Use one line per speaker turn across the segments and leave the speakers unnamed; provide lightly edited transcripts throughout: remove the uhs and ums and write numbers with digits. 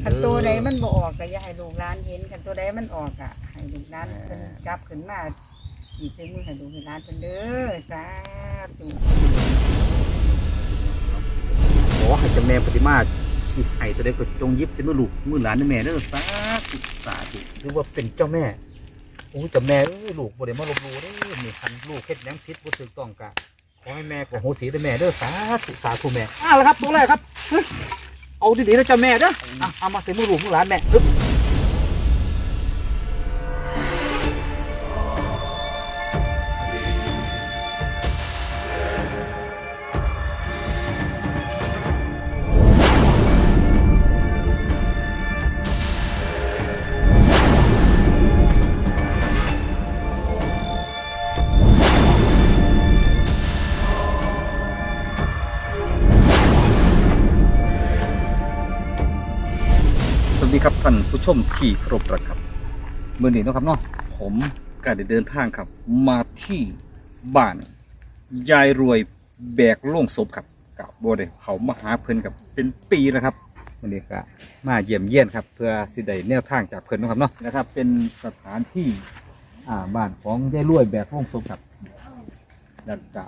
ขันตัวใดมันบ่ออกก็อย่าให้ลูกหลานเห็นขันตัวใดมันออกอ่ะให้ลูกหลานเพิ่นกลับขึ้นมาอีกใจมือให้ลูกให้หลานเพิ่นเด้อสาธุ
ขอให้เจ้าแม่ปฏิมาสิให้ตัวใดก็จงยิบสิมือลูกมือหลานแม่เด้อสาธุสาธุหรือว่าเป็นเจ้าแม่โอ้เจ้าแม่ลูกบ่ได้มาลบหลู่เด้อนี่คันลูกเฮ็ดหยังผิดบ่ถูกต้องกะขอให้แม่ก็โหสิได้แม่เด้อสาธุสาธุแม่แล้วครับตัวแรกครับเอาดีๆนะเจ้าแม่เด้อเอามาใส่มือลูกมือหลานแม่อึ๊บสวัสดีครับท่านผู้ชมที่เคารพรักครับเมื่อนี้นะครับเนาะผมก็ได้เดินทางครับมาที่บ้านยายรวยแบกโล่งศพครับกับโบเดเขามาหาเพิ่นกับเป็นปีแล้วครับวันนี้ก็มาเยี่ยมเยียนครับเพื่อสิได้แนวทางจากเพิ่นนะครับเนาะนะครับเป็นสถานที่บ้านของยายรวยแบกโล่งศพครับแล้วก็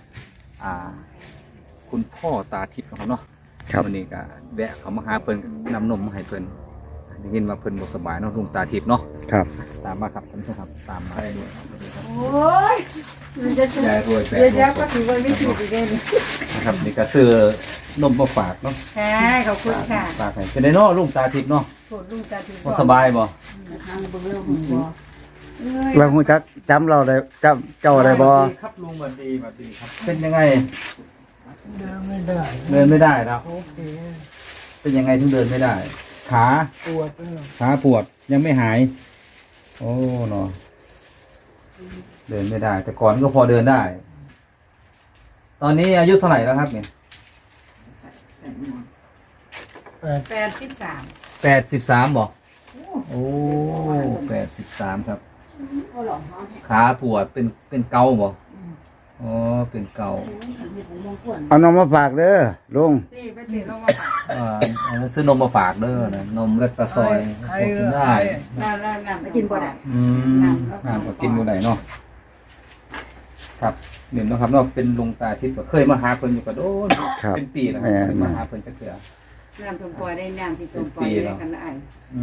คุณพ่อตาทิพย์นะครับเนาะวันนี้ก็แวะเขามาหาเพิ่นนำนมมาให้เพิ่นได้ยินว่าเพิ่นบ่สบายเนาะลุงตาทิพย์เนาะครับตามมาครับท่านผู้ชมครับตามมาได้ด้วย
โอ้ย
ยายรวยแบก
เดี๋ยวก็ถือว่าไม่ถูกอีกเด้
นะครับนี่ก็ซื้อนมมาฝากเนาะ
ค่ะขอบคุณค่ะ
ฝากให้เป็นได้เนาะลุงตาทิพย์เนาะ
โทษลุงตาทิพย์
บ่สบายบ่
ทางเบิ่งแล้วผมบ่
เราคงจักจำเราได้จำเจ้าได้บ่
ครับลุงสวัสดีครับเป็นยังไง
เดินไม่ได้
เดินไม่ได้แล้วเป็นยังไงถึงเดินไม่ได้ขา
ปวด
ขาปวดยังไม่หายโอ้เนาะเดินไม่ได้แต่ก่อนก็พอเดินได้ ตอนนี้อายุเท่าไหร่แล้วครับเนี่ย83บอกโอ้83ครับขาปวดเป็นเกาบ่อ๋อเป็นเกา
เอานมมาฝากเด้อลุง
นี่ไปถือลงมาฝาก
ซื้อนมมาฝากเด้อนะนมเล็กกระซอยกินได้
น้ำกินบ่ได้
น้ำก็กินบ่ได้เนาะครับเห็นนะครับเนาะเป็นลุงตาทิพย์เคยมาหาเพิ่นอยู่กระโดนเป็นปีแล้วมาหาเพิ่นจักเทื่อ
น้ำต้มปล่อยได้น้ำที่ต้มปล่อยได้กันได้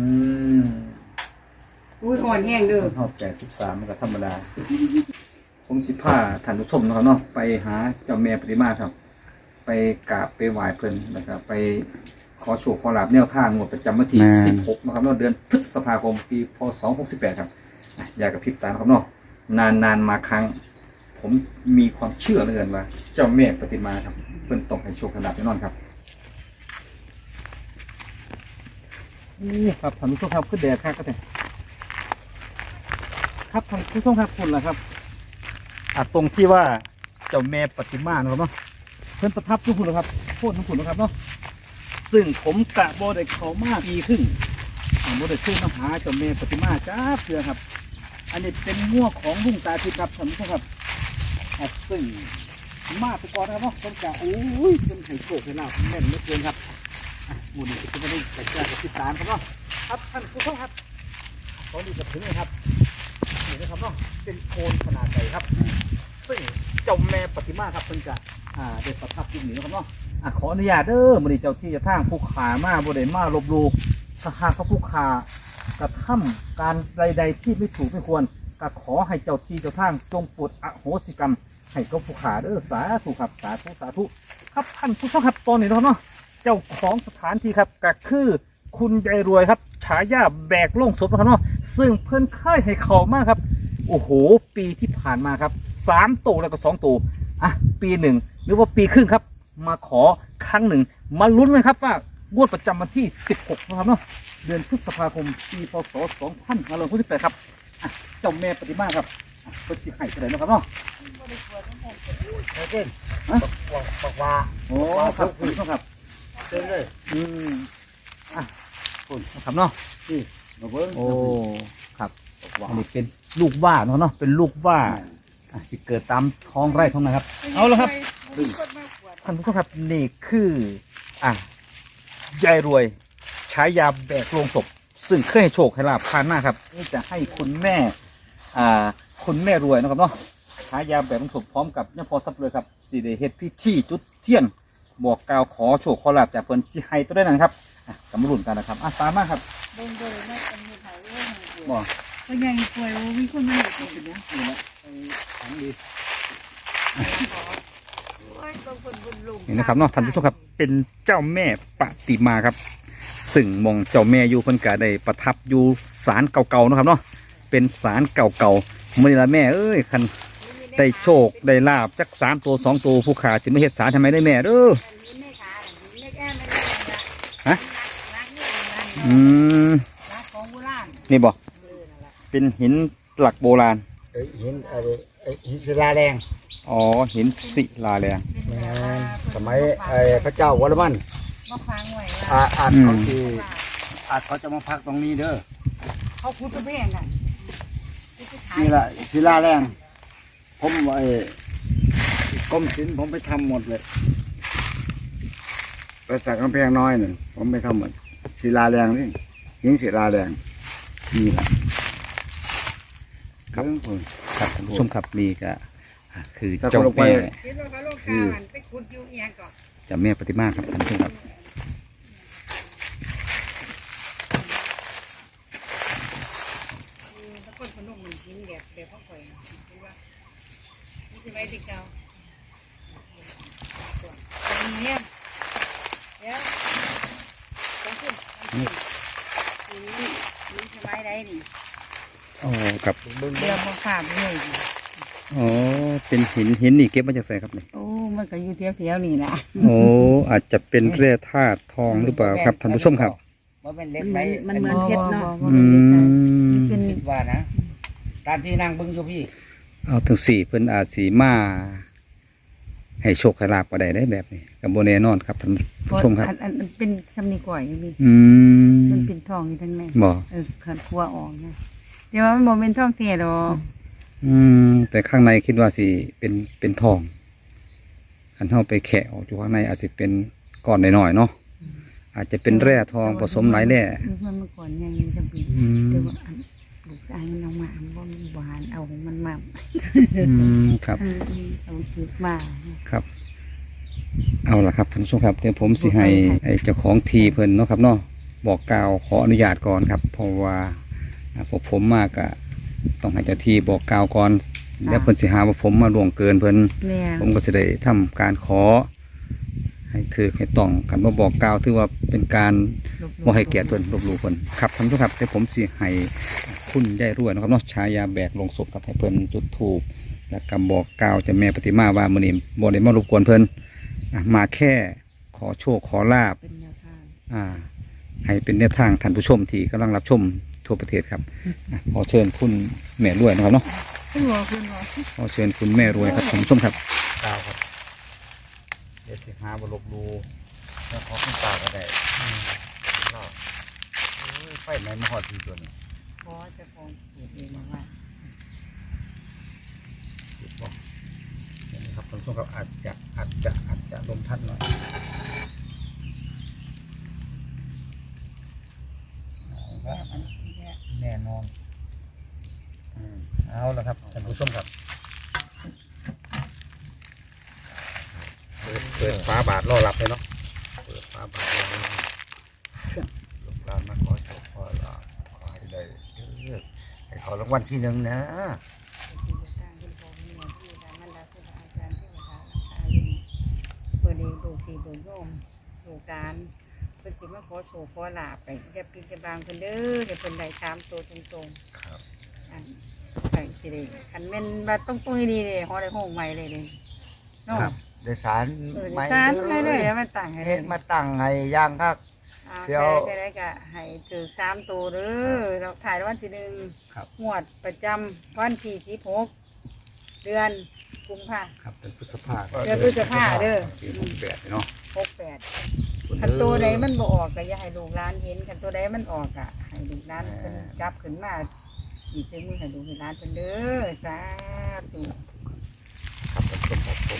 อุ้ยอ่อนแห้งเด้อ
ฮอด83มันก็ธรรมดาผมสิพาท่านผู้ชมนะครับเนาะไปหาเจ้าแม่ปฏิมาครับไปกราบไปไหว้เพิ่นแล้วก็ไปขอโชคขอลาภแนวทางงวดประจำวันที่16นะครับเนาะเดือนพฤษภาคมปีพศ68ครับอย่ากระพริบตาครับเนาะนานมาครั้งผมมีความเชื่อเหลือเกินว่าเจ้าแม่ปฏิมาครับเพิ่นต้องให้โชคขนาดแน่นอนครับนี่ครับท่านผู้ชมครับขึ้นแดดครับก็ได้ครับท่านผู้ชมครับคุณล่ะครับตรงที่ว่าเจ้าแม่ปฏิมานะครับเนาะเพิ่นประทับทุกคนนะครับโคตรทุกคนนะครับเนาะซึ่งผมกะบ่ได้เข้ามาปีครึ่งบ่ได้ขึ้นมาหาเจ้าแม่ปฏิมาจ้าเพื่อครับอันนี้เป็นมั่วของลุงตาทิพย์ครับท่านผู้ชมครับซึ่งมาไปก่อนนะครับเนาะผมกะโอ้ยเป็นไข่โชคให้ลาภแม่นเหลือเกินครับวันนี้จะไม่ได้ไปแจ้งกับที่ศาลครับเนาะครับท่านผู้ชมครับตอนนี้จะถึงเลยครับนี่นะครับเนาะเป็นโคนขนาดใหญ่ครับซึ่งเจ้าแม่ปฏิมาครับเพิ่นจะได้ประทับอยู่นี่นะครับเนาะขออนุญาตเด้อมื้อนี้เจ้าที่เจ้าทางผู้ขามาบ่ได้มาลบหลู่ถ้าหากเขาผู้ขากระทำการใดๆที่ไม่ถูกไม่ควรก็ขอให้เจ้าที่เจ้าทางจงโปรดอโหสิกรรมให้กับผู้ขาเด้อสาธุครับสาธุสาธุครับท่านผู้ชมครับตอนนี้เนาะเจ้าของสถานที่ครับก็คือคุณยายรวยครับฉายาแบกโล่งศพนะครับเนาะซึ่งเพิ่นค่ายให้เขามากครับโอ้โหปีที่ผ่านมาครับ3ตัวแล้วก็2ตัวปีหนึ่งหรือว่าปีครึ่งครับมาขอครั้งหนึ่งมาลุ้นกันครับว่างวดประจำวันที่16นะครับเนาะเดือนพฤษภาคมปีพศ2568ครับเจ้าแม่ปฏิมาครับเพิ่นสิให้เท่าไหร่นะครับเนาะ
เต้นบอกว่า
โอ้ครับคุณครับ
เต้นเลย
คุณครับเนาะนี่มาเบิ้งโอ้ครับอันนี้เป็นลูกว่าเนาะเป็นลูกว่าที่เกิดตามท้องไร่ท้องนาครับเอาละครับท่านผู้ชมครับนี่คือยายรวยฉายาแบกโลงศพซึ่งเคยให้โชคให้ลาบผ่านมาครับนี่จะให้คุณแม่คุณแม่รวยนะครับเนาะฉายาแบกโลงศพพร้อมกับเนี่ยพอซับเลยครับสีเดเฮ็ดพิธีจุดเทียนบอกกล่าวขอโชคขอลาบจากเพิ่นสิให้ตัวได้นั่นครับกำรุ่นกันนะครับตามมาครับ
เบิ่งเลยแม่เป็นมีเขาเรื่อง
บอก
ก็ยังป่วยมีคนมาอยู่ตรงนี้
นี่แหละไปถามดี นี่นะครับเนาะท่านผู้ชมครับเป็นเจ้าแม่ปฏิมาครับซึ่งมองเจ้าแม่อยู่เพิ่นก็ได้ประทับอยู่ศาลเก่าๆนะครับเนาะเป็นศาลเก่าๆมื้อนี้ละแม่เอ้ยคันได้โชคได้ลาบจัก3ตัว2ตัวผู้ขาสิมาเฮ็ดศาลทำไมได้แม่เด้อฮะอืม
ของโบราณ
นี่บ่เป็นหินหลักโบราณ
หินหินศิลาแรง
อ๋อหินศิลาแรง
สมัยพระเจ้าวรมัน
มาฟังไว้
อาจเขาที่อาจเขาจะมาพักตรงนี้เด้อ
เขาพูดกระเบื้องกัน
นี่แหละศิลาแรงผมกรมศิลป์ผมไปทำหมดเลยไปสักกำแพงน้อยหนึ่งผมไปทำหมดศิลาแรงนี่หินศิลาแรงนี่แหละ
ครับ
ผม
ครับท่านผู้ชมครับนี่ก็คือ
ถ้า
เจ้า
คนลงไป
แม่
คิดว่าเขาโลกาหันไปขุดอยู่เอียงก่อน
เจ้าแม่ปฏิมาครับท่านผู้ชมครับ
ถ้าคนพนมมันกินแบบพ่อข่อยคิดว่านี่สิไว้ติเก่าตอนนี้เดี๋ยวต้องขึ้นนี่สบายได้ดิ
โอ้ครับ
เดี๋ยวมาฝากเลย
อ๋อเป็นหินนี่เก็บมาจากไหนครับเนี่ย
โอ้มันก็อยู่เที่ยวนี่แหละ
โอ้อาจจะเป็นแร่ธาตุทองหรือเปล่าครับท่านผู้ชมครับ
ว่าเป็นเล็กไป
มันเหมือนเพชรเนาะ
อืม
เป็น
คิดว่านะตามที่นั่งเบึงอยู่พี่
เอาถึงสี่เพิ่นอาจสีมาให้โชคให้ลาบก็ได้แบบนี้กับโบแน่นอนครับท่านผู้ชมครับ
อันเป็นสำนีก่อยอยู่นี่
อืม
มันเป็นทองอยู่ทั้งใน
บ่
ขันครัวออกนะแต่ว่ามันบ่เป็นทองเทียดอก
แต่ข้างในคิดว่าสิเป็นทองคันเฮาไปแคะออกอยู่ข้างในอาจจะเป็นก้อนน้อยๆเนาะอาจจะเป็นแร่ทองผสมหลายแร่
มันเมื่อก่อนยังมีสำลี
อืม
แต่ว่าอันลูกชายมันเอามาอันบ่มีหวานเอาของมันมา
ครับ
เอาจุดมา
ครับ เอาละครับท่านผู้ชมครับเดี๋ยวผมสิให้ไอ้เจ้าของทีเพิ่นเนาะครับเนาะบอกกล่าวขออนุญาตก่อนครับ เพราะว่าพวกผมมากอะต้องให้เจ้าที่บอกกล่าวก่อนแล้วเพิ่นสิหาว่าผมมาล่วงเกินเพิ่น
แม่
ผมก็จะได้ทำการขอ ให้ถือให้ต้องกันมาบอกกล่าวถือว่าเป็นการบ่ให้เกียรติเพิ่นลบหลู่เพิ่นครับท่านผู้ชมครับเดี๋ยวผมสิให้คุณยายรวยนะครับเนาะฉายาแบกลงศพครับให้เพิ่นจุดธูปและกำบอกกล่าวเจะแม่ปฏิมาว่ามื้อนี้บ่ได้มารบกวนเพิ่นมาแค่ขอโชคขอลาบ
เป็นแนวทาง
ให้เป็นแนวทางท่านผู้ชมที่กำลังรับชมทั่วประเทศครับขอเชิญคุณแม่รวยนะครับเนาะ
คุณหมอ
ขอเชิญคุณแม่รวยครับท่านผู้ชมครับ
กาวครับเดี๋ยวสิหาบลบลูแล้วขอขึ้นตาก็ได้รอบไฟไหนมาหอดทีตัวนี้
ขอจะคงสูตรเองว่า
นี่ครับท่านผู้ชมครับอาจจะลมทัดหน่อยแน่นอนเอาละครับท่านผู้ชมครับเปิดฟ้าบาทรอรับเลยเนาะเปิดฟ้าบาทรอรับลูกหลานมาขอโชคขอลาภขอให้ได้ให้เขารางวัลที่หนึ่งนะ
เปิดดีดูสีดูโยมดูการเพิ่นสิมาขอโชว์ขอลาบไปจะปินจะบางเพิ่นเด้อเดี๋ยวเพิ่นได้3ตัวตรงๆ
ครับ
อันใส่สิได้คันแม่นว่าต้องตุ้ยดีเลยฮอได้ห้องใหม่เลยนี่เนาะ
ครับโดยสาร
ดิสานเลยเลยแล้วมันต่างให้เล
เฮ็
ย
ดมาตั้งให้ย่างครับ
เอา
เดี๋ยว
แค่ได้ก็ให้ถือ3ตัวเด้อเราถ่ายวันที่1
ครับ
งวดประจำวันที่16เดือนกุมภา
ครับเป็นพฤษภา
เดือนพฤษภาเด้อ
ปี68เนาะ
68คันตัวใดมันบ่ออกก็อย่าให้ลูกหลานเห็นคันตัวใดมันออกอ่ะให้ลูกหลานเพิ่นจับขึ้นมาอีกซื้อมือให้ลูกให้หลานเพิ่นเด้อสาธุ
ครับท่านผู้ชมครับผม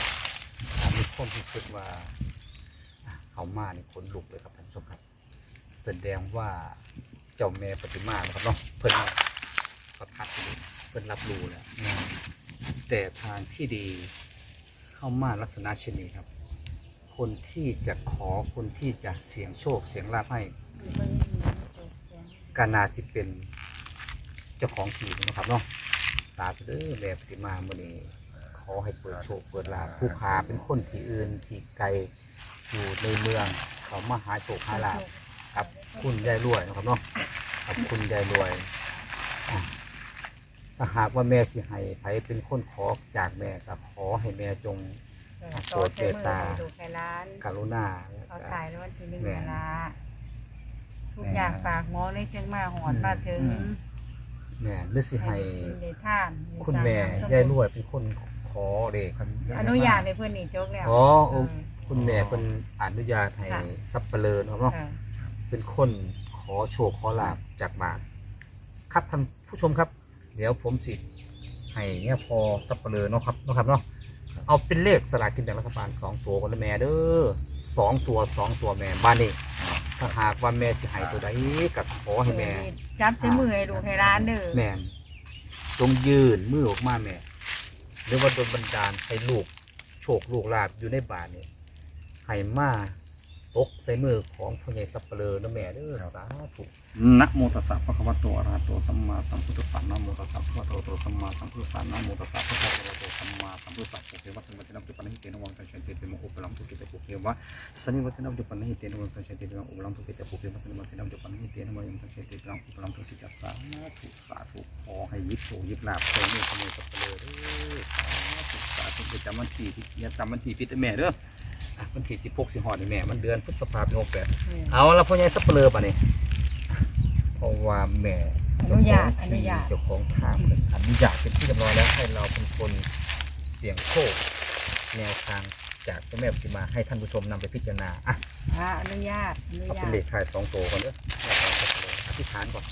มีความรู้สึกว่าเขามานี่ขนลุกเลยครับท่านผู้ชมครับ
แสดงว่าเจ้าแม่ปฏิมานะครับเนาะเพิ่นประทับอยู่เพิ่นรับรู้แล้วแต่ทางที่ดีเข้ามาลักษณะเช่นนี้ครับ คนที่จะขอคนที่จะเสี่ยงโชคเสี่ยงลาภให้การนาสิเป็นเจ้าของที่นะครับเนาะสาธุเด้อแม่ปฏิมามื้อนี้ขอให้เปิดโชคเปิดลาภผู้ค้าเป็นคนที่อื่นที่ไกลอยู่ในเมืองเขามาหาโชคหาลาภกับคุณยายรวยนะครับเนาะกับคุณยายรวยถ้าหากว่าแม่สิให้ไผเป็นคนขอจากแม่ก็ขอให้แม่จงโปรดเมตตากรุณา
เขาถ่ายแล้ววันที่1เวลาทุกอย่างฝากหมอเลยจึงมาหอดมาถึง
แม่หรือสิให้
ได้ท่าน
คุณแม่ยายรวยเป็นคนขอเด็ก
อนุญาตให้เพื่อนนี่จกแล้ว
อ๋อคุณแม่เป็นอนุญาตให้ซับเปลือนะครับเนาะเป็นคนขอโชคขอลาบจากบ้านครับท่านผู้ชมครับ เดี๋ยวผมสิให้เนี่ยพอซับเปลือเนาะครับเนาะเอาเป็นเลขสลากกินแบ่งรัฐบาล2ตัวกันเลยแม่เด้อ2ตัวแม่บ้านนี้ถ้าหากว่าแม่สิให้ตัวใดก็ขอให้แม่
จับใช้มือให้ลูกให้ร้านเด้อ
แม่จงยืนมือออกมาแม่หรือว่าโดนบันดาลให้ลูกโชคลูกลาบอยู่ในบ้านนี่ให้มาตกใส่มือของพ่อใหญ่สับเปลือนะแม่เด้อสาธุ
นะโมตัสสะภะคะวะโตอะระหะโตสัมมาสัมพุทธัสสะนะโมตัสสะภะคะวะโตสัมมาสัมพุทธัสสะนะโมตัสสะภะคะวะโตสัมมาสัมพุทธัสสะปุเกวะสัมมาสัมพุทธัสสะนะหิเตนะวังตัญชันเตเตมะอุปลัมตุกิเตปุเกวะสันนิวัสนะอุปนะหิเตนะวังตัญชันเตเตมะอุปลัมตุกิเตปุเกวะสันนิวัสนะอุปนะหิเตนะวังตัญชันเตเตมะอุปลัมตุกิเตสาธุขอให้ยิบโชยิบลาภใส่มือขโมยสับเปลือเด้อสาธุจะจำวันที่อย่าจำวันที่ผิดแม่เด้อวันที่16สิงหาคมนี่แม่มันเดือนพฤษภาคม68เอาละพ่อใหญ่สับเปลือป่ะนี่เพราะว่าแม่
อนุญาต
เจ้าของทางอนุญาตเป็นที่เรียบร้อยแล้วให้เราเป็นคนเสี่ยงโชคแนวทางจากเจ้าแม่ปฏิมาให้ท่านผู้ชมนำไปพิจารณา
อนุญาต
เอาเป็นเลขท้าย2ตัวก่อนเด้ออธิษฐานก่อน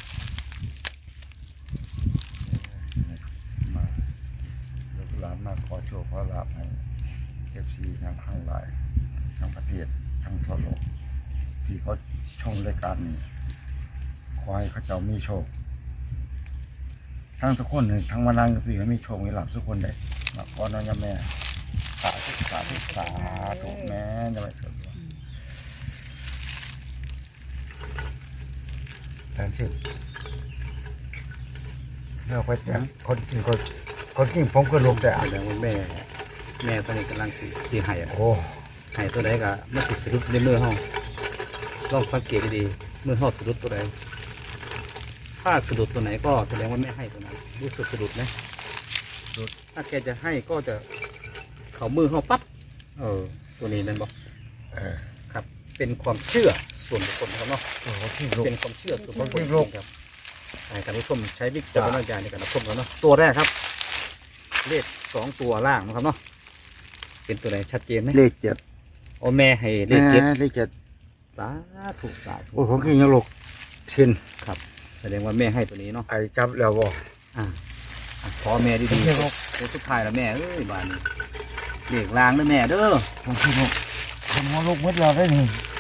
มาลูกหลานมาขอโชคขอลาภให้FCทั้งหลายทั้งประเทศทั้งทั่วโลกที่เขาชมรายการนี้ขอให้เขาเจ้ามีโชคทั้งทุกคนทั้งมานั่งพี่ให้มีโชคมีลาภทุกคนเลยมาขอน้องแม่สาธุแม่จะไปสุดแทนที่เลือกไปแต่คนจริงผมก็ลงแต่
แสดงว่าแม่ตอนนี้กำลังสีไห้
โอ้
ไห้ตัวใดก็ไม่ติดสะดุดในมือเฮาลองสังเกตดีมือเฮาสะดุดตัวใดถ้าสะดุดตัวไหนก็แสดงว่าแม่ให้ตัวนั้นรู้สึกสะดุดไหมถ้าแกจะให้ก็จะเขามือเขาปั๊บตัวนี้นั่นบอกครับเป็นความเชื่อส่วนบุคคลนะครับเนาะเป็นความเชื่อส่วนบุคคลครับการผู้ชมใช้วิจารณญาณในการรับชมกันเนาะตัวแรกครับเลข2ตัวล่างนะครับเนาะเป็นตัวไหนชัดเจนไหม
เลข7
โอ้แม่ให้เลข7สาธุ
โอ้ผมกินยังลูกชิน
ครับแสดงว่าแม่ให้ตัวนี้เนาะ
ไอ้จับแล้วบ่
ขอแม่ดีๆเดี๋ยวสุดท้ายแล้วแม่เอ้ยบ้านนี้เด็กลางด้วยแม่เด้อ
ผมกินลูกผมหัวลูกมืดเราได้นี่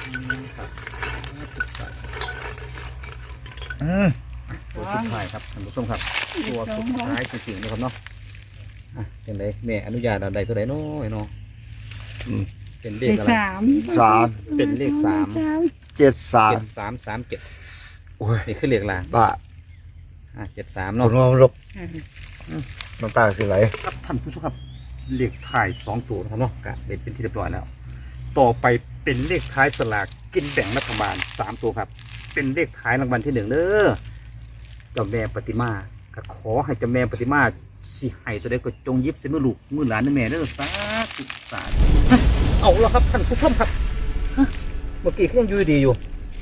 ตัวสุดท้ายครับท่านผู้ชมครับตัวสุดท้ายจริงๆนะครับเนาะเป็นไรแม่อนุญาตอะไรตัวไหนน้อยเนาะเป็นเลขอะไร
3
เป็นเลข
73
โอ้ยนี่คือเลขลาง
บ้า
73
เนาะ
เนาะ
หัวลูกน้ำตาสิไหล
ครับท่านผู้ชมครับเลขท้าย2ตัวนะครับเนาะกะเป็นที่เรียบร้อยแล้วต่อไปเป็นเลขท้ายสลากกินแบ่งรัฐบาล3ตัวครับเป็นเลขท้ายรางวัลที่1เด้อเจ้าแม่ปฏิมาก็ขอให้เจ้าแม่ปฏิมาสิให้ตัวใดก็จงยิบใส่มือลูกมือหลานนะแม่เด้อสาธุเอาแล้วครับท่านผู้ชมครับเมื่อกี้ยังอยู่ดีอยู่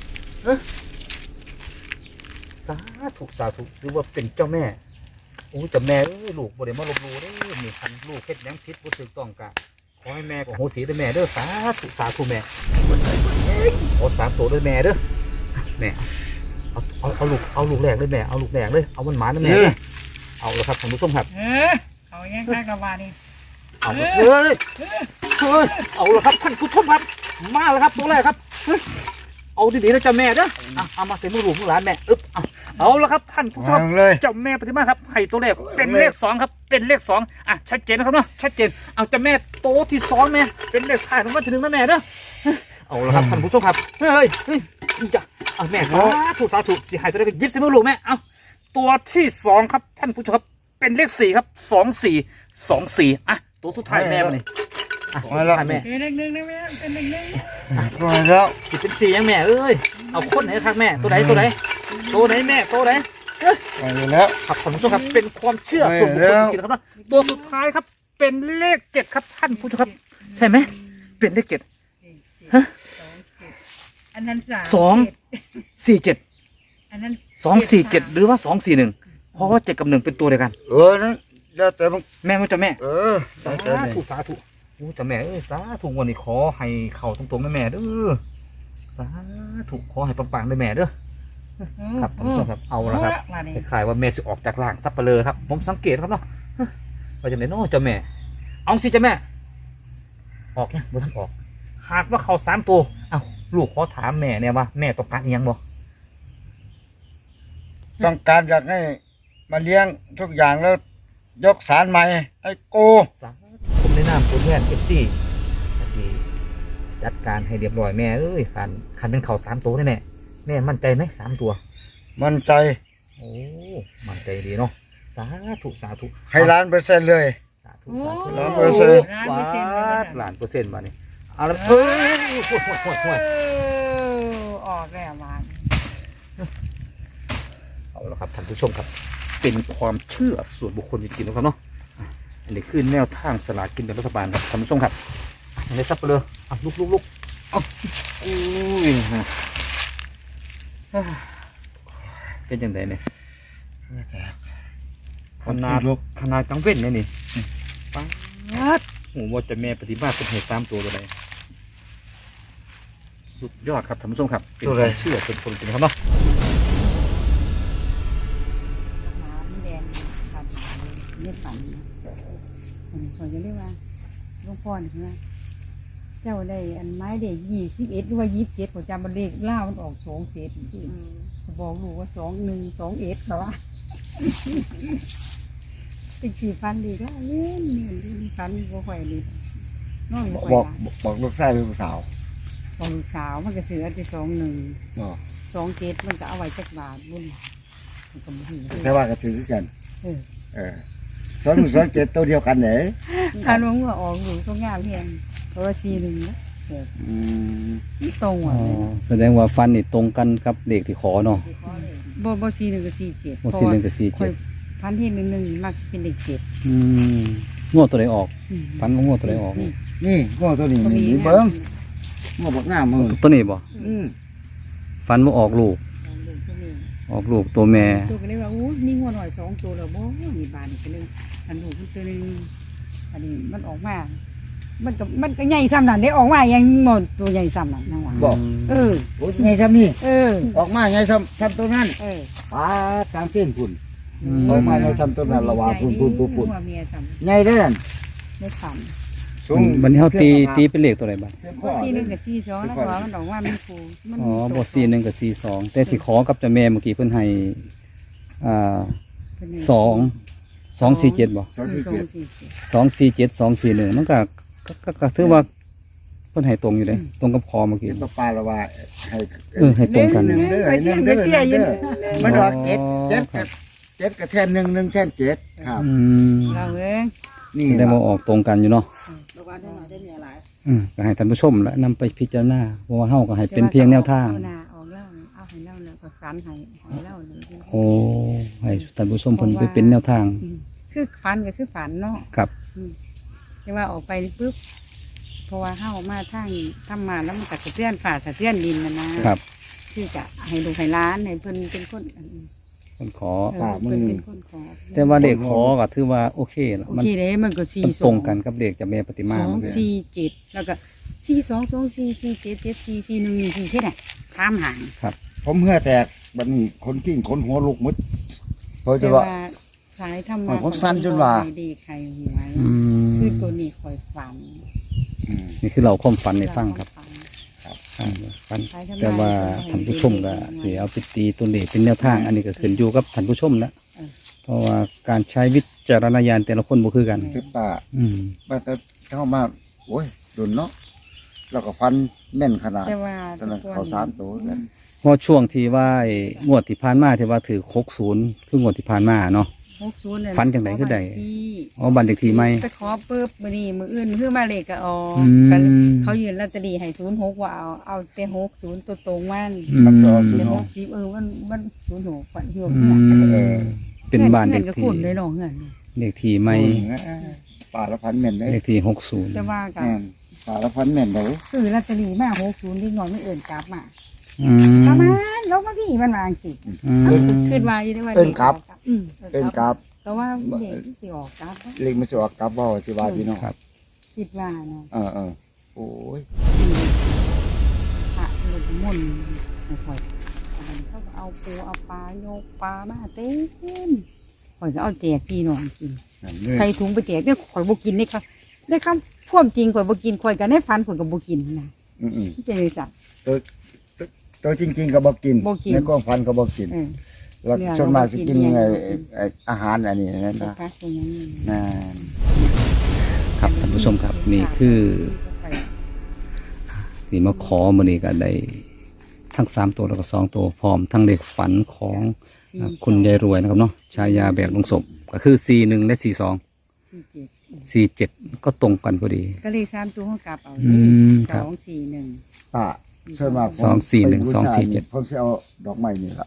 สาธุหรือว่าเป็นเจ้าแม่โอ้แต่แม่ลูกบ่ได้มาลบลูเด้อมีคันลูกเฮ็ดแหนงพิษบ่ถูกต้องกะขอให้แม่กับโหสีด้วยแม่เด้อสาธุแม่โอ้3ตัวด้วยแม่เด้อแม่เอาลูกแรกเลยแม่เอาลูกแรกเลยเอามันหมานะแม่เอาแล้วครับท่านผู้ชมครับ
เอาแย่งข้ากระบานี่
เอาเลยเอาแล้วครับท่านผู้ชมครับมาแล้วครับตัวแรกครับ
เอาดีๆนะเจ้าแม่เด้อเอามาใส่มือลูกมือหลานแม่อึ๊บเอาแล้วครับท่านผู้ชม
วางเลย
เจ้าแม่ปฏิมาครับให้ตัวเลขเป็นเลข2ครับเป็นเลข2ชัดเจนนะครับเนาะชัดเจนเอาเจ้าแม่โตที่2แม่เป็นเลขท้ายของวันที่1นะแม่เด้อเอาละครับท่านผู้ชมครับเฮ้ยจ้ะเอาแม่สาธุสิให้ตัวเลขยิบใส่มือลูกแม่เอาตัวที่2ครับท่านผู้ชมครับเป็นเลข4ครับ24ตัวสุดท้ายแม่มาเลยตัวสุดท้ายแม่
เป็นเลขหนึ่งนะแม่เป็นเลขหนึ่ง
มาแล้ว
สิเป็น4ยังแม่เอ้ยเอาคนไหนครับแม่ตัวไหนแม่ตัวไหน
มาแล้ว
ครับท่านผู้ชมครับเป็นความเชื่อส่วนบุคคลจริงๆนะครับตัวสุดท้ายครับเป็นเลข7ครับท่านผู้ชมครับใช่ไหมเป็นเลข7ฮะ
อันนั้น
247
อันนั้น
247หรือว่า241เพราะว่า7กับ1เป็นตัวเดียวกัน
นั่นแล้วแต่มึง
แม่มันจะแม่
สา
สาธุโอ้จะแม่เอ้ยสาธุวันนี้ขอให้เข่าตรงๆนะแม่เด้อสาธุขอให้ปังๆเลยแม่เด้อครับท่านผู้ชมครับเอาละครับคล้ายๆว่าแม่สิออกจากร่างซับเปลือครับผมสังเกตครับเนาะว่าจะไหนเนาะเจ้าแม่เอาสิเจ้าแม่ออกเนี่ยบ่ทันออกหากว่าเขา3ตัวเอาลูกขอถามแม่เนี่ยว่าแม่ต้องการอีหยังบ่
ต้องการอยากให้มาเลี้ยงทุกอย่างแล้วยกสารใหม่ให้โก
สาธุผมแนะนำตัวแทน FC ที่จัดการให้เรียบร้อยแม่เอ้ยคันเป็นเขา3ตัวแน่แม่มั่นใจไหม3ตัว
มั่นใจ
โอ้มั่นใจดีเนาะสาธุ
ให้1,000%เลย
สาธุ
100%
1,000,000%มาเนี่ยเอาละเฮ้ยห่วย
ออกแล้วหวาน
เอาละครับท่านผู้ชมครับเป็นความเชื่อส่วนบุคคลจริงๆนะครับเนาะอันนี้คือแนวทางสลากกินแบ่งรัฐบาลครับท่านผู้ชมครับอันนี้ซับไปเลยลุกเอาอุ้ยเป็นยังไงเนี่ยขนาดกลางเว้นเนี่ยนี่ปังโอ้ว่าจะแม่ปฏิบัติเป็นเหตุ3ตัวอะไรสุดยอดครับท่านผู้ชมครับเป็นความเชื่อส่วนบุคคลจริงๆครับเนาะ
น้ำแดงฝันนี่ฝันคนจะเรียกว่าหลวงพ่อนี่ใช่ไหมเจ้าได้อันไม้เด็ก21หรือว่า27ผมจำมันเลขล่ามันออก27ที่บอกลูกว่า2121เหรอวะเป็นกี่ฟันดีก็เล่นฟันบ่ค่อยดีน้องบ่ค่อย
บอกลูกชายหรือลูกสาว
บอกลูกสาวมันก็ซื้ออันที่2127มันก็เอาไว้จักบาทบุญมันก็บ่ถือ
แต่ว่าก็ถือกัน
เออ
2127ตัวเดียวกันไหน
ถ้าลงว่าออกอยู่ต้องงามเพียงเพราะว่า41นะตรงอ่ะ
แสดงว่าฟันนี่ตรงกันกับเด็กที่ขอเนาะ
บ่41กับ47
บ่สี่หนึ่งกับสี่
ค่
เจ็
อย
ด
พันที่1มักสิเป็นเลข7
งวดตัวใดออกฟันว่างวดตัวใดออก
นี่ง้อตัวนี้นี่เบิ้งง้อบักงามมึง
ตัวนี้บ่ฟันว่าออกลูกตัวแม่
ตัวก็เลยว่าอู้นี่งัวหน่อย2ตัวแล้วบ่มีบานก็เลยอันลูกตัวนึงอันนี้มันออกมามันก็ใหญ่ซ้ำนั่นได้ออกมายังหมดตัวใหญ่ซ้ำนั่นนะว่า
บอก
โอ้ย
ไงซ้ำนี่
อ
ออกมาไงซ้ำตัวนั้นป้ากลางเส้นพุ่นออกมาไงซ้ำตัวนั้นละว่าพุ่น
หัวเมียซ้ำ
ไงได้นั่น
ได้ฝัน
บัดนี้เฮาตีเป็นเลขตัวใดบ้าง
บ่41กับ42แล้วก็ว่ามันออกมามันฟูมัน
อ๋อบ่41กับ42แต่ที่ขอกับเจ้าแม่เมื่อกี้เพิ่นให้247บ่
247
247 241มันก็ถือว่าเพิ่นให้ตรงอยู่เด้ตรงกับคอเมื่อกี้
เห็นป้าละว่าให้
ให้ตรงกัน
หนึ่งเด้อหนึ่งเด้อหนึ่งเด้อมันดอกเจ็ดกับแทนหนึ่งแทนเจ็ดครับ
เราเอง
นี่
แสดงว่าออกตรงกันอยู่เนาะ
ระวังได้หน่อยได้เมียหลาย
ก็ให้ท่านผู้ชมและนำไปพิจารณาเพราะว่าเฮาก็ให้เป็นเพียงแนวทาง
เอาหน้าออกแล้วเอาให้เล่าแล้วก็ฝันให้เล่าเลย
โอ้ให้ท่านผู้ชมเพิ่นไปเป็นแนวทาง
คือฝันก็คือฝันเนาะ
ครับ
แต่ว่าออกไปปุ๊บเพราะว่าเฮามาทางทำมาแล้วมันก็สะเทือนฝ่าสะเทือนดินนะครับ ที่จะให้ลูกให้ร้านให้เพิ่นเป็นคน
เพิ่นขอ
เพิ่นเป็นคนขอ
แต่ว่าเด็กขอก็ถือว่าโอเคละ
โอ
มัน
เคเลยมันก็
มันตรงกันกับเด็กจากแม่ปฏิมา
247แล้วก็4224477441แค่นั้น3หาง
ผมเหื่อแตกบัดนี้คนกิ้งคนหัวลุกหมดเพราะ
แต่
ว่า
ว่าสายทำ
ผมสั้นจนว่า
ดีใครหวยคือตัวนี้คอยฝัน
นี่คือเราความฝันในฟังครับ
ฝัน
คฟัน
ขายทำลย
แต่ว่าท่านผู้ชมก็เสียเอาไปตีตัวเลขเป็นแนวทาง อันนี้ก็ขึ้นอยู่กับท่านผู้ชมนะเพราะว่าการใช้วิจารณญาณแต่ละคนบ่คือกัน
ที่ป้า
อืม
ป้าจะเข้ามาโอ้ยดุนเนาะแล้วก็ฟันแม่นขนาด
แต่ว่า
ตอนนั้นเขา3ตัวกัน
เพราะช่วงที่ว่าไอ้งวดที่ผ่านมาที่ว่าถือ60คืองวดที่ผ่านมาเนาะ
60เนี่ย
ฝันจังไหนคือใด
ที่
อ๋อบันเลขที่ไม่
ไปขอปุ๊บมื้อนี้มื้ออื่นคือมาเลขก็ออก
อืม
กันเขายืนลอตเตอรี่ให้06ว่าเอาแต่60ตัวตรงมัน
อืม
เป็น60มัน06ฝันอยู่
อื
เพื่อน
มเป็นบ้านเลข
ก็
ที่
คุณเลยเนาะเงิน
เลขที่ไม่
ป่าละพันแม่นเลย
เลขที่
แต่ว่าก็
แม่นป่าละพันแม่นเลย
ซื้อลอตเตอรี่มา60ที่งอนไม่เอื่นกลับมา
60อืม
ประมาณลงมาพี่มันวาจังสิ
อืม
ขึ้นมาอยู่ได้ว่า
เอิ้นกลับ
เอิ้
เป็น
น
ก
กลับ
ราบ
แต่ว่าเด็กสิออกกลับ
เล็กมันจะออกกราบบ่สิว่าพี่น้อง
ครับ
คิดว่าเนาะ
โอ้ย
พระหลุดมนต์ไม่ค่อยอันนั้นเขาก็เอาปูเอาปลาโยกปลามาเต็มข่อยก็เอาแจกพี่น้องกินใครถุงไปแจกเนี่ยข่อยบ่กินได้ครับได้คำพ่วามจริงข่อยบ่กินข่อยก็ได้ฟันข่อยก็บ่กินนะ
อืม
ที่เป็นจัง
ตัวจริงๆก็บ่กิน
บ่กิน
ในกองพันก็บ่กิน
เออ
แล้ว
เนื้อ
ส่วนมากสิกิน
เราก็กิน
ไอ้อาหารอันนี้นั่น
เป็น
นะ
พักเป็นอย่างนี้
นั่น
ครับท่านผู้ชมครับนี่คือที่มาขอมื้อนี้ก็ได้ทั้ง3ตัวแล้วก็2ตัวพร้อมทั้งเลขฝันของคุณยายรวยนะครับเนาะฉายาแบบลงศพก็คือ41และ42 47ก็ตรงกันพอดี
ก็เลย3ตัวห้องกลับเอา
อืมครับ
241
ป้าส่วนมากผม
241 247
ผมสิเอาดอกไม้นี่ล่ะ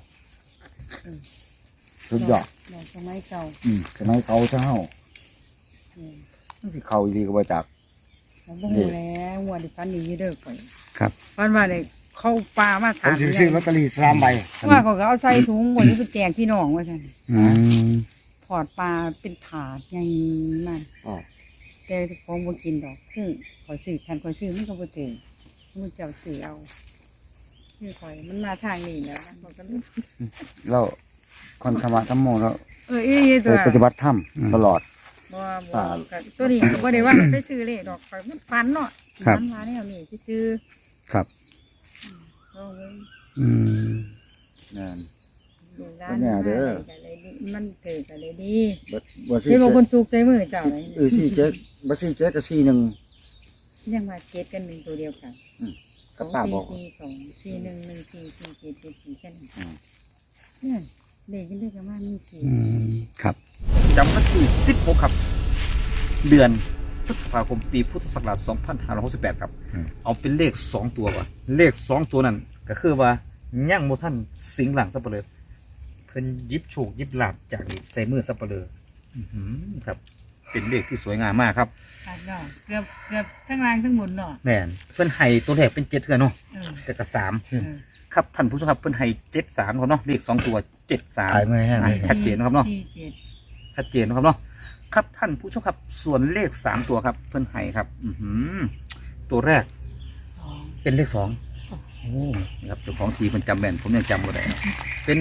สุดยอด
ดอกไม้เก่า
สมัยเขาเจ้ามันสิเข้าอีหลีก็บ่จัก
เราบ่ฮู้แล้วหัวดิฟันนี่เด้อก่อย
ครับ
ฟันว่าได้เข้าป่ามา
ผ
ถาม ม
สิซื้อลอตเตอรี่3ใบ
ว่าเขาก็เอาใส่ถุงวันนี้ไปแจกพี่น้องว่าซั่น
อืม
ถอดปลาเป็นถาดใหญ่มัน
อ๋อ
แต่ของบ่กินดอกคือข่อยซื้อทันข่อยซื้อมันก็บ่ถึงมันเจ้าซื้อเอาคือข่อยมันมาทางนี้แล้วนะข่อยก็เลย
แล้วคนธรรมะธรรมโมแล้ว
อีตัว
ไปปฏิบัติธรรมตลอด
บ่ก็ตัวนี้ก็บ่ได้ว่าไปซื้อเลขดอกข่อยมันฟันเนาะฟันมาแนวนี้ซื้อ
ครับ
เอาเว้ย
อืม
นั่น
ลูกหลา
เป็นแนวเด้อ
มันเกิดกันเลยดี
บ่สิ
เห็นว่าคนสุกใส่มือเจ้าเลย
สี่เจ็ดบ่สี่เจ็ดก็สี่หนึ่ง
ยังมาเจ็ดกันหนึ่งตัวเดียวกัน
ก็ป้าบอก
2 4 4 2 4 1 1 4 4แค่นั้นเนี่ยเลขกันได้ประมาณนี้สี่
อืมครับ
จำวันที่16ครับ เดือนพฤษภาคมปีพุทธศักราช2568ครับ เอาเป็นเลข2ตัวก่อนเลข2ตัวนั้นก็คือว่าย่างโมท่านสิงหลังสับเปลือเพิ่นยิบโชคยิบลาบจากนี่ใส่มือสับเปลืออื้อหือครับ เป็นเลขที่สวยงามมากครับ
ขาดเนาะเกือบทั้งล่างทั้งบนเนาะ
แม่นเพิ่นให้ตัวแรกเป็น7เทื่อเนาะ
เออ
แต่ก็
เออ
3ครับท่านผู้ชมครับเพิ่นให้73ครับเนาะเลข2ตัว
ขาย
73
ไม่แห้งเลย
ชัดเจนนะครับเนาะ
4 7
ชัดเจนนะครับเนาะครับท่านผู้ชมครับส่วนเลข3ตัวครับเพิ่นให้ครับ อื้อหือตัวแรก
2
เป็นเลข2โอ้นี่ครับเจ้าของทีมันจำแม่นผมยังจำบ่ได้นะเป็น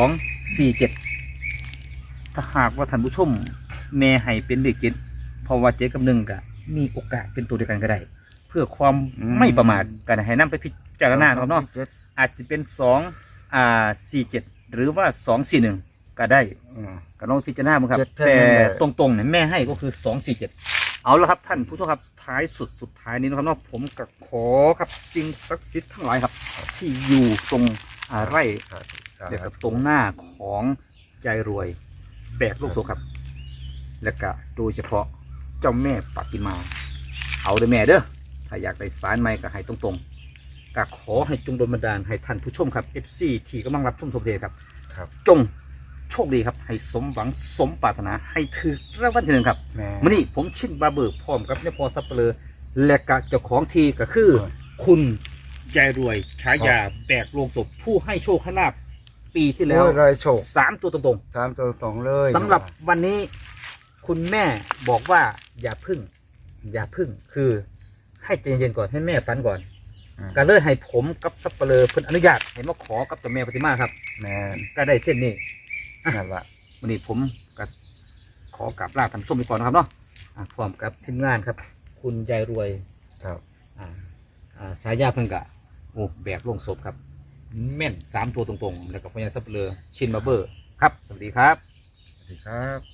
2 4 7ถ้าหากว่าท่านผู้ชมแม่ให้เป็นเลข7เพราะว่า7กับ1ก็มีโอกาสเป็นตัวเดียวกันก็ได้ เพื่อความไม่ประมาทกันให้นำไปพิจารณาครับเนาะอาจจะเป็น47หรือว่า241ก็ได้ก็ต้องพิจารณาบ้างครับ แต่ตรงๆเนี่ยแม่ให้ก็คือ247เอาละครับท่านผู้ชมครับท้ายสุดท้ายนี้นะครับเนาะผมก็ขอครับสิ่งศักดิ์สิทธิ์ทั้งหลายครับ ที่อยู่ตรงไร่เดี๋ยวกับตรงหน้าของยายรวยแบกลูกโซครับ และก็โดยเฉพาะเจ้าแม่ปฏิมา เอาเด้อแม่เด้อถ้าอยากได้สารไม้ก็ให้ตรงๆก็ขอให้จงโดลบันดาลให้ท่านผู้ชมครับ FC ที่กำลังรับชมทบเทครับ จงโชคดีครับให้สมหวังสมปรารถนาให้ถือรางวัลที่1ครับ มื่อนี้ผมชินบาเบิกพร้อมกับเนี่ยพอซับเปลือและกะเจ้าของทีก็คือ คุณยายรวยฉายาแบกโลงศพผู้ให้โชคให้ลาบปีที่แล้ว
โอ้ยได้โชค
3 ตัวตรง
3ตัวตรงเลย
ๆสำหรับวันนี้คุณแม่บอกว่าอย่าพึ่ง คือให้ใจเย็นๆก่อนให้แม่ฝันก่อนก็เลยให้ผมกับซับเปลือเพิ่นอนุญาตให้มาขอกับเจ้าแม่ปฏิมาครับ
แม่น
ก็ได้เส้นนี้
นั่นล่ะ
วันนี้ผมก็ขอกราบลาท่านผู้ชมไปก่อนนะครับเนาะพร้อมกับทีมงานครับ คุณยายรวย
ครับ
ฉายาเพิ่งกะ
โอ้แบกลงศพครับแม่น3 ตัวตรงๆแล้วก็พญาสับเปลือชินมาเบอร์ครับสวัสดีครับ
สวัสดีครับ